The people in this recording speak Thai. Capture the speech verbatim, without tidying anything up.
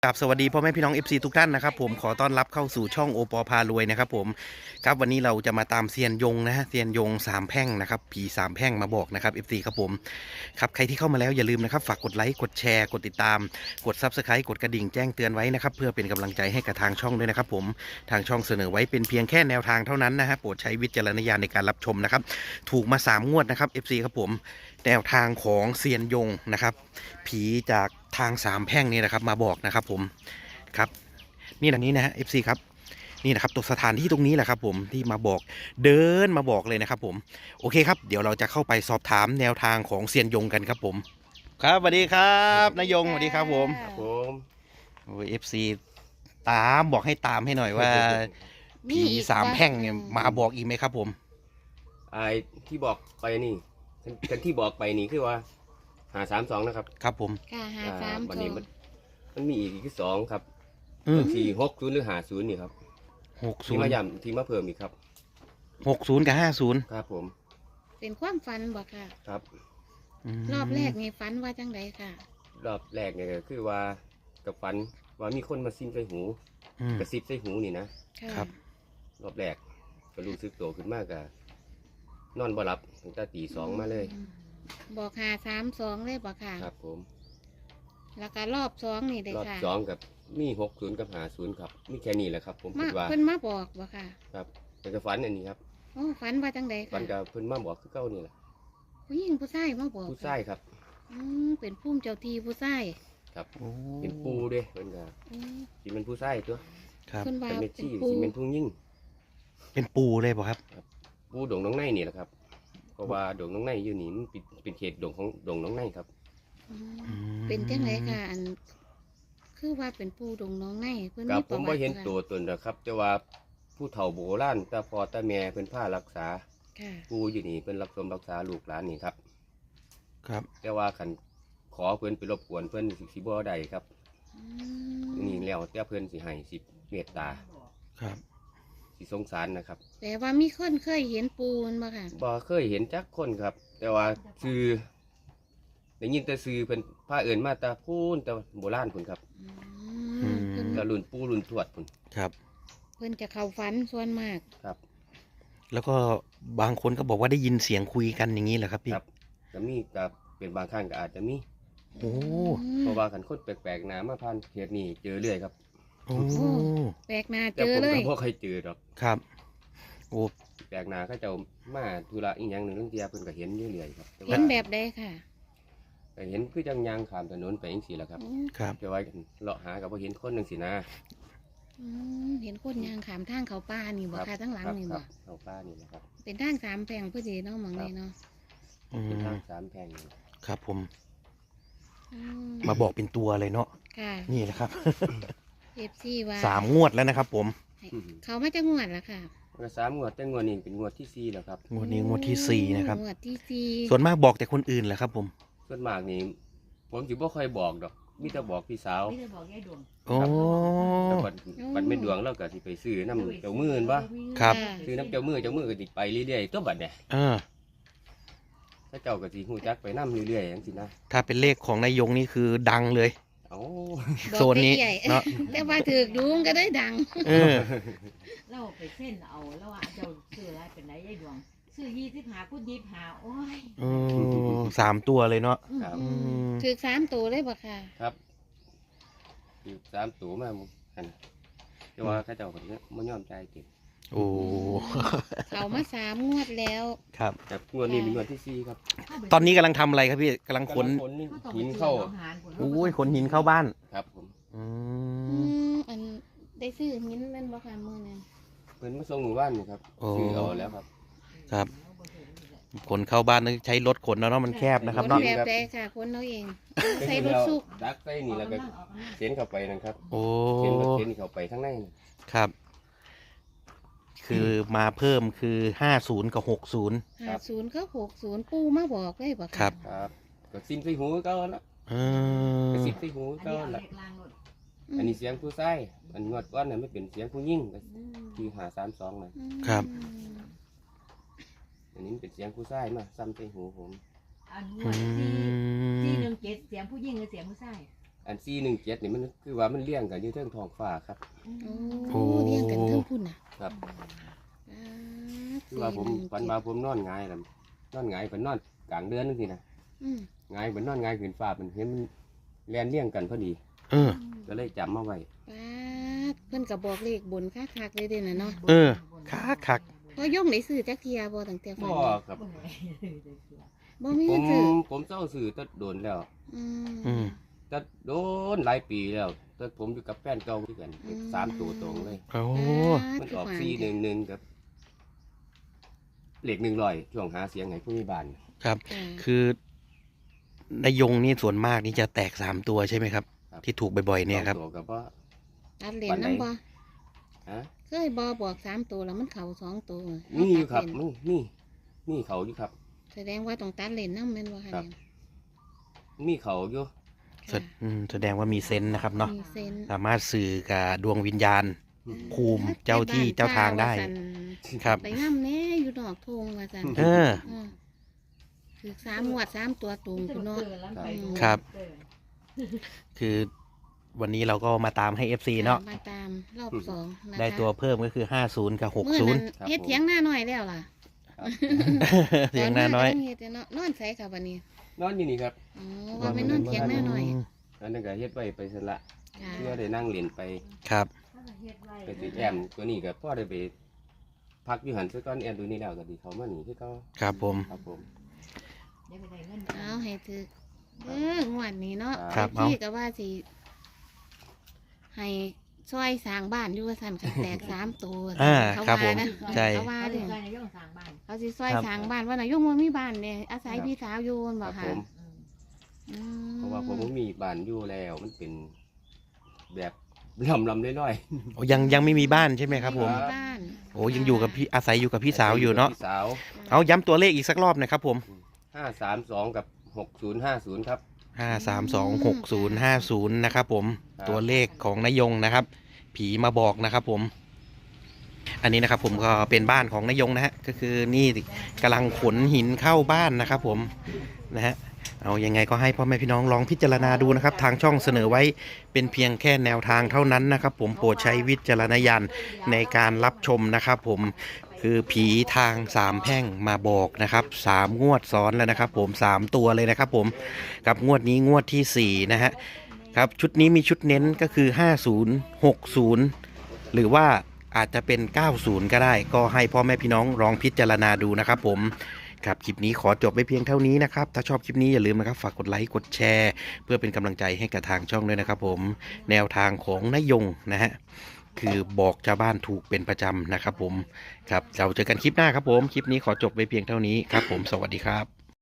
ครับสวัสดีพ่อแม่พี่น้อง เอฟ ซี ทุกท่านนะครับผมขอต้อนรับเข้าสู่ช่องโอปอพารวยนะครับผมครับวันนี้เราจะมาตามเซียนยงนะฮะเซียนยงสามแพร่งนะครับผีสามแพร่งมาบอกนะครับ เอฟ ซี ครับผมครับใครที่เข้ามาแล้วอย่าลืมนะครับฝากกดไลค์กดแชร์กดติดตามกด ซับสไครบ์ กดกระดิ่งแจ้งเตือนไว้นะครับเพื่อเป็นกำลังใจให้กับทางช่องด้วยนะครับผมทางช่องเสนอไว้เป็นเพียงแค่แนวทางเท่านั้นนะฮะโปรดใช้วิจารณญาณในการรับชมนะครับถูกมาสามงวดนะครับ เอฟ ซี ครับผมแนวทางของเซียนยงนะครับผีจากทางสามแพร่งนี่นะครับมาบอกนะครับผมครับนี่แหละนี้นะฮะ เอฟ ซี ครับนี่นะครับตัวสถานที่ตรงนี้แหละครับผมที่มาบอกเดินมาบอกเลยนะครับผมโอเคครับเดี๋ยวเราจะเข้าไปสอบถามแนวทางของเซียนยงกันครับผมครับสวัสดีครับนายยงสวัสดีครับผมครับผมโอ้ย เอฟ ซี ตามบอกให้ตามให้หน่อยว่าผีสามแพร่งเนี่ยมาบอกอีกไหมครับผมไอ้ที่บอกไปนี่กันที่บอกไปนี่คือว่าหาสามสองนะครับครับผมค่ะหาสามวันสอนี้งมันมันมีอีกที่สองครับอืมสี่หกศูนย์หรือหาศูนย์นี่ครับหกศูที่นมาย์ย้ำที่มาเพิ่มอีกครับหกศูนย์กับห้าศูนย์ครับผมเป็นความฝันบ่ค่ะครับรอบแรกนี่ฝันว่าจังไดค่ะรอบแรกเนี่ยก็คือว่ากับฟันว่ามีคนมาซิมใส่หูอืมกระซิบใส่หูนี่นะค่ะครับรอบแรกก็รู้สึกโตขึ้นมากอะนอนบ่หลับตั้งแต่ตีสองมาเลยบอกหาสามสองเลยบ่ค่ะครับผมแล้วก็รอบสองนี่เลยรอบค่ะสองกับมีหกศูนย์กับหาศูนย์ครับมีแค่นี้แหละครับ ผมมาคิดว่าเพิ่นมาบอกบ่ค่ะครับแต่ก็ฝันอันนี้ครับโอ้ฝันว่าจังไดฝัค่ะนกับเพิ่นมาบอกคือเก้านี่แหละผู้หญิงผู้ชายมาบอกผู้ชายครับอืมเป็นผู้เจ้าที่ผู้ชายครับโอ้เป็นปูเด้เพิ่นก็อืมสิเป็นผู้ชายตัวครับเพิ่นว่าเป็นเมเป็นชี่ผู้สิเป็นผู้ยิ่งเป็นปูเลยป่ะครับปูดงน้องในนี่แหละครับเพราะว่าดงน้องในอยู่นี่มันเป็นเป็นเขตดงของดงน้องในครับอืมอืมเป็นจังไดค่ะอันคือว่าเป็นผู้ดงน้องในเพิ่นกับมีผประมวับ่ติเห็นค่ะตัวตนนะครับ แต่ว่าผู้เฒ่าโบราณตาพ่อตาแม่เพิ่นพารักษาค่ะปูอยู่นี่เพิ่นรักสมรักษาลูกหลานนี่ครับครับแต่ว่าคันขอเพิ่นไปรบกวนเพิ่นสิสิบ่ได้ครับอืมนี่แล้วแต่เพิ่นสิให้สิเมตตาครับสิสงสารนะครับแต่ว่ามีคนเคยเห็นปูนบ่ค่ะบ่เคยเห็นจักคนครับ แต่ว่าซื้อได้ยินแต่ซื้อเพิ่นพาเอิ้นมาแต่พูนแต่โบราณพุ่นครับอืมเพิ่นแต่รุ่นปู่รุ่นทวดพุ่นครับเพิ่นจะเข้าฝันส่วนมากครับแล้วก็บางคนก็บอกว่าได้ยินเสียงคุยกันอย่างนี้เหรอครับพี่ครับก็มีก็เป็นบางครั้งก็อาจจะมีโอ้เพราะว่าคันคนแปลกๆหน้ามาผ่านเขตนี้เจอเรื่อยครับโอ้แปลกหน้าแต่เจอผมเลก็ยบ่เคยเจอดอกครับโอ้แปลกหน้าเขาเจ้ามาธุระอีหยังหนึงลางเที่ยเพิ่นก็เห็นอยู่เรื่อยครับแต่เห็ว่านแบบใดค่ะก็เห็นคือจังยางข้ามถนนไปจังซี่แหละครับอืมครับแต่ว่าเลาะหาก็บ่เห็นคนจังซี่นะอืมเห็นคนยางขามทางเขาป่านี่บ่ครับค่ะทั้งหลังครับนี่ครับ่บเอาป้านี่นะครับเป็นทางสามแพร่งพอดีเนาะหมองนี้เนาะอืเป็นมทางสามแพร่งนี่ครับผมอืมาบอกเป็นตัวเลยเนาะค่ะนี่นะครับเอฟซีว่าสามงวดแล้วนะครับผมเขามาจะงวดละค่ะก็สามงวดแต่งวดนี้เป็นงวดที่สี่แล้วครับงวดนี้งวดที่สี่นะครับงวดที่สี่ส่วนมากบอกแต่คนอื่นแหละครับผมส่วนมากนี่ผมสิบ่ค่อยบอกดอกมีแต่บอกพี่สาวไม่ได้บอกยายดวงโอ้แต่บัดบัดไม่ดวงเราก็สิไปซื้อน้ำเจ้ามือนั่นปะครับค่ะซื้อน้ำเจ้ามือเจ้ามือก็ติดไปเรื่อยๆตัวบัดเนี่ยเออถ้าเจ้าก็สิฮู้จักไปน้ำเรื่อยๆจังซี่นะถ้าเป็นเลขของนายยงนี่คือดังเลยเอ้าบอกโซนนี้ใหญ่เนาะแต่ว่าถือกดูมันก็ได้ดังเออเราไปเส้นเอาแล้วว่าเจ้าซื้ออะไรเป็นไรยายดวงซื้อยี่สิบหาพูดยี่สิบหาโอ้ยเออสามตัวเลยเนาะครับอืมถือกสามตัวเลยบ่ค่ะครับอยู่สามตัวมาหั่นแต่ว่าเขาเจ้าก็บ่ยอมจ่ายเต็มโอ้เขามาสามงวดแล้วครับแต่งวดนี้เป็นงวดที่สี่ครับตอนนี้กำลังทำอะไรครับพี่กำลังขนกำลังหินเข้าโอ้ยขนหินเข้าบ้านครับผมอือืมมอันได้ซื้อหินแม่นบ่ค่ะมื้อนั้นเพิ่นมาส่งหมู่บ้านนี่ครับโอ้ซื้อเอาแล้วครับครับขนเข้าบ้านต้องใช้รถขนเนาะมันแคบนะครับคนเนาะแบบใดค่ะคนเอาเอง ใส่รถสุกดักใส่นี่แล้วก็เข็นเข้าไปนะครับโอ้เข็นรถเข็นเข้าไปข้างในน่ะครับ คือมาเพิ่มคือห้าศูนย์กับหกศูนย์ห้าศูนย์ก็หกศูนย์ปูมาบอกเลยบ่ะครับครับก็ซิมใส่หูก็แล้วเอก็อซิมใส่หูก็แล้ว อันนี้เสียงผู้ชายอันงวดก้อนน่ะไม่เป็นเสียงผู้หญิงก็คือหาสามสองนะครับอันนี้มันเป็นเสียงผู้ชายมาซ้ำใส่หูผมอันงอืวดที่ที่มหนึ่งเจ็ดเสียงผู้หญิงหรือเสียงผู้ชายอันสี่หนึ่งเจ็ดนี่มันคือว่ามันเลี้ยงกันอยู่เทิงท้องฟ้าครับโอ้เลี้ยงกันเทั้งพุ่นน่ะครับอ่าคือว่าผมสี่หนึ่งฝันว่าผมนอนหงายแล้วนอนหงายเป็นนอนกลางเดือนนึงสินะอืมหงายเป็นนอนหงายขึ้นฟ้าเป็นเห็นมันแลนเลี้ยงกันพอดีเออก็เลยจำมาไว้ป๊าดเพิ่นก็บอกเลขบนคักๆเลยเด้น่ะเนาะเออ คักคักพอย่องได้ซื้อจักเทียบ่ตั้งแต่ฝันบ่ครับบ่มีผมซื้อผมเศร้าสื่อตัดโดนแล้วอืมอืมตัดโดนหลายปีแล้วตัดผมอยู่กับแฟนเก่าด้วยกันอืมสามตัวตรงเลยโอ้มันออกสี่หนึ่งหนึ่งกับเหล็กหนึ่งลอยช่วงหาเสียงให้ผู้มีบ้านครับจ้ะคือนายยงนี่ส่วนมากนี่จะแตกสามตัวใช่ไหมครับ ที่ถูกบ่อยๆเนี่ยครับสองตัวกับว่าตัดเหรียญนำบ่ฮะเคยบ่บอกสามตัวแล้วมันเข้าสองตัวนี่อยู่ครับตัดเหมันนี่นี่เขาอยู่ครับแสดงว่าต้องตัดเหรียญนำแม่นบ่คะครับเนี่ยมีเขาอยู่แสอืมแสดงว่ามีเซนส์นะครับเนาะมีเซนส์สามารถสื่อกับดวงวิญญาณ ภูมิเจ้าที่เจ้าทางได้ไปบ้นป่าครับว่าซั่นไปนำแน่อยู่นอกทุ่งว่าซั่นเออเออคือสามงวดสามตัวตุงคุณเนาะครับ คือวันนี้เราก็มาตามให้ เอฟ ซี เนาะมาตามรอบสองนะคะได้ตัวเพิ่มก็คือห้าศูนย์กับหกมื้อศูนนั้ย์นเฮ็ดเถียงหน้าหน่อยแล้วล่ะครับเสียงนาน้อยตมก็งเฮ็ดเนาะนอนใส่ค่ะวันนี้นอนอยู่นี่ครับอ๋อว่าไปนอนเถียงหน้าหน่อยอันนั้นก็เฮ็ดไว้ไปสละค่ะเพื่อได้นั่งเรียนไปครับไปติดแอมตัวนี้ก็พ่อได้ไปพักอยู่หันซะก่อนแอมตัวนี้แล้วก็ดีเขามาหนีที่เขาครับผมครับผมเอาให้ถือเอองวดนี้เนาะครับเอาพี่ก็ว่าสิให้ช่วยสร้างบ้านอยู่ว่าซั่นค่ะแตกสามตัวอ่าเขาครับผว่าม นะใช่เขาว่าว่าเด้เรื่อองย่องสร้างบ้านเขาสิช่วยครับสร้างบ้านว่าน่ะยุ่งบ่มีบ้านเนี่ยอาศัยพี่สาวอยู่นั่นคบ่รับค่ะผมอืมเพราะว่าผมบ่มีบ้านอยู่แล้วมันเป็นแบบลำลำน้อยโอ้ยังยังไม่มีบ้านใช่ไหมครับผมไบ้านโอ้ยังอยู่กับพี่อาศัยอยู่กับๆพี่สาวอยู่เนาะพี่สาวเอาย้ำตัวเลขอีกสักรอบหนะครับผมห้าสามสองกับหกศูนย์ห้าศูนย์ครับห้าสามสองหกศูนย์ห้าศูนย์นะครับผมครับตัวเลขของนายยงนะครับ ผีมาบอกนะครับผม อันนี้นะครับผมก็เป็นบ้านของนายยงนะฮะก็คือนี่กำลังขนหินเข้าบ้านนะครับผมนะฮะเอายังไงก็ให้พ่อแม่พี่น้องลองพิจารณาดูนะครับ ทางช่องเสนอไว้เป็นเพียงแค่แนวทางเท่านั้นนะครับผมโปรดใช้วิจารณญาณในการรับชมนะครับผมคือผีทางสามแพร่งมาบอกนะครับสามงวดซ้อนแล้วนะครับผมสามตัวเลยนะครับผมกับงวดนี้งวดที่สี่นะฮะครับชุดนี้มีชุดเน้นก็คือห้าศูนย์ หกศูนย์หรือว่าอาจจะเป็นเก้าศูนย์ก็ได้ ก็ให้พ่อแม่พี่น้องลองพิจารณาดูนะครับผมครับคลิปนี้ขอจบไปเพียงเท่านี้นะครับถ้าชอบคลิปนี้อย่าลืมนะครับฝากกดไลค์กดแชร์ เพื่อเป็นกำลังใจให้กับทางช่องด้วยนะครับผมแนวทางของนายยงนะฮะคือบอกชาวบ้านถูกเป็นประจำนะครับผมครับเราเจอกันคลิปหน้าครับผมคลิปนี้ขอจบไปเพียงเท่านี้ครับผมสวัสดีครับ